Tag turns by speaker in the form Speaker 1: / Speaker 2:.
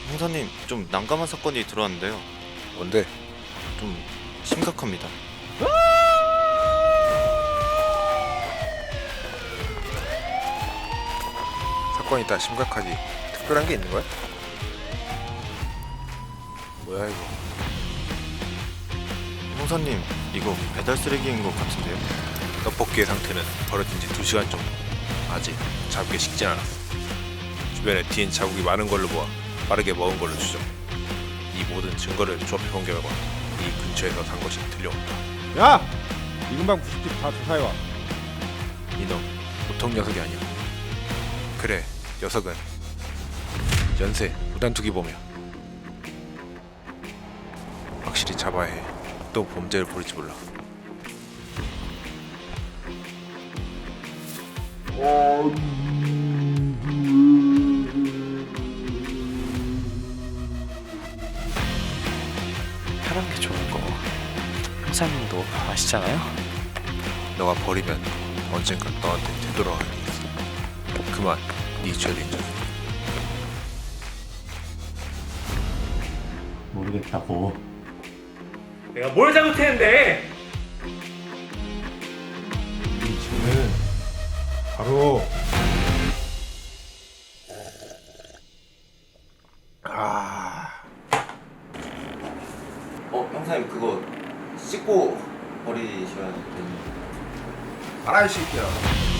Speaker 1: 형사님, 좀 난감한 사건이 들어왔는데요.
Speaker 2: 뭔데?
Speaker 1: 좀 심각합니다.
Speaker 2: 사건이 다 심각하지. 특별한 게 있는 거야? 뭐야 이거?
Speaker 1: 형사님, 이거 배달 쓰레기인 것 같은데요?
Speaker 2: 떡볶이의 상태는 버려진 지 2시간 정도. 아직 잡기 식진 않았어. 주변에 뒤엔 자국이 많은 걸로 보아 빠르게 먹은 걸로 추정. 이 모든 증거를 조합해본 결과 이 근처에서 산 것이 들려온다.
Speaker 3: 야! 이 근방 부식집 다 조사해와.
Speaker 2: 이놈 보통 녀석이 아니야. 그래, 녀석은 연쇄 무단투기범이야. 확실히 잡아야 해. 또 범죄를 벌일지 몰라.
Speaker 4: 편한 게 좋은 거 형사님도 아시잖아요?
Speaker 2: 너가 버리면 언젠가 너한테 되돌아가게 돼 있어. 그만 네 죄를 인정해.
Speaker 5: 모르겠다고.
Speaker 6: 내가 뭘 잘못했는데?
Speaker 3: 이 죄는 바로
Speaker 1: 형사님, 그거 씻고 버리셔야 되는.
Speaker 3: 알아 이 새끼야.